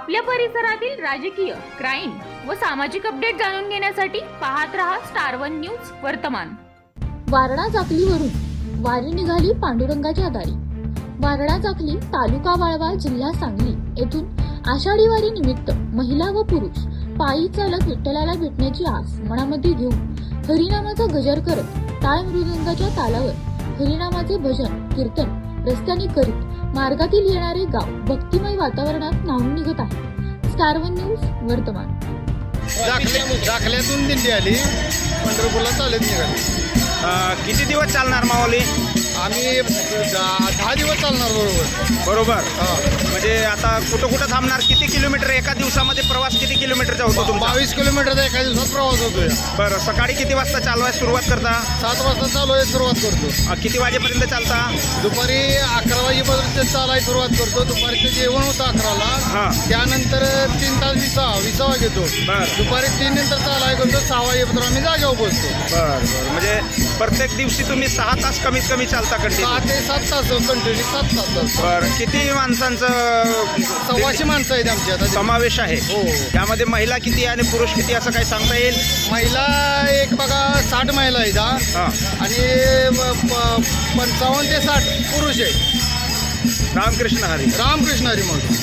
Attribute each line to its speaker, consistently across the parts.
Speaker 1: आपल्या परिसरातील राजकीय, क्राईम व सामाजिक अपडेट जाणून घेण्यासाठी पाहत रहा स्टार वन न्यूज वर्तमान।
Speaker 2: वारणा चाकलीवरून वारी निघाली पांडुरंगाच्या दारी। वारणा चाकली तालुका वाळवा जिल्हा सांगली येथून आषाढी वारी निमित्त महिला व पुरुष पायी चालत विठ्ठलाला भेटण्याची आस मनामध्ये घेऊन हरिनामाचा गजर करत टाळ मृदंगाच्या तालावर हरिनामाचे भजन कीर्तन रस्त्याने करीत मार्गातील येणारे गाव भक्तिमय वातावरणात न्हाऊन निघत आहे। स्टार वन न्यूज वर्तमान।
Speaker 3: जाखल्यातून दिंडी आली, पंढरपूरला चालत निघाली।
Speaker 4: किती दिवस चालणार माऊली?
Speaker 3: आम्ही 10 दिवस चालणार
Speaker 4: बरोबर। म्हणजे आता कुठं कुठं थांबणार? किती किलोमीटर एका दिवसामध्ये प्रवास किती किलोमीटरचा होतो तुमचा?
Speaker 3: 22 किलोमीटरचा एका दिवसात प्रवास होतोय।
Speaker 4: बरं, सकाळी किती वाजता चालवायला सुरुवात करता?
Speaker 3: 7 वाजता चालवायला सुरुवात करतो।
Speaker 4: किती वाजेपर्यंत चालता?
Speaker 3: दुपारी 11 वाजेपर्यंत चालायला सुरुवात करतो। दुपारीचं जेवण होतं 11ला, त्यानंतर 3 तास विसावा घेतो। दुपारी 3 नंतर चालायला करतो, 6 वाजेपर्यंत आम्ही जागेवर पोहोचतो।
Speaker 4: बरं, म्हणजे प्रत्येक दिवशी तुम्ही 6 तास कमीत कमी चालता?
Speaker 3: 6 ते 7 तास कंटिन्यू 7 तास।
Speaker 4: बरं, किती माणसांचं?
Speaker 3: 100 माणसं आहेत आमची आता
Speaker 4: समावेश आहे।
Speaker 3: हो।
Speaker 4: त्यामध्ये महिला किती आणि पुरुष किती असं काही सांगता येईल?
Speaker 3: महिला एक बघा 60 महिला आहेत आणि 55 ते 60 पुरुष आहेत।
Speaker 4: रामकृष्ण हरी।
Speaker 3: रामकृष्ण हरी म्हणतो।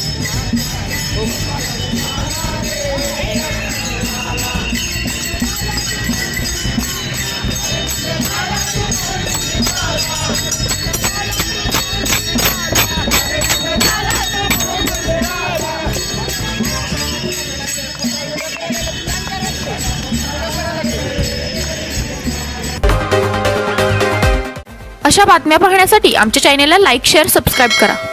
Speaker 2: अशा बातम्या पाहण्यासाठी आमच्या चॅनेलला लाईक, शेअर, सबस्क्राईब करा।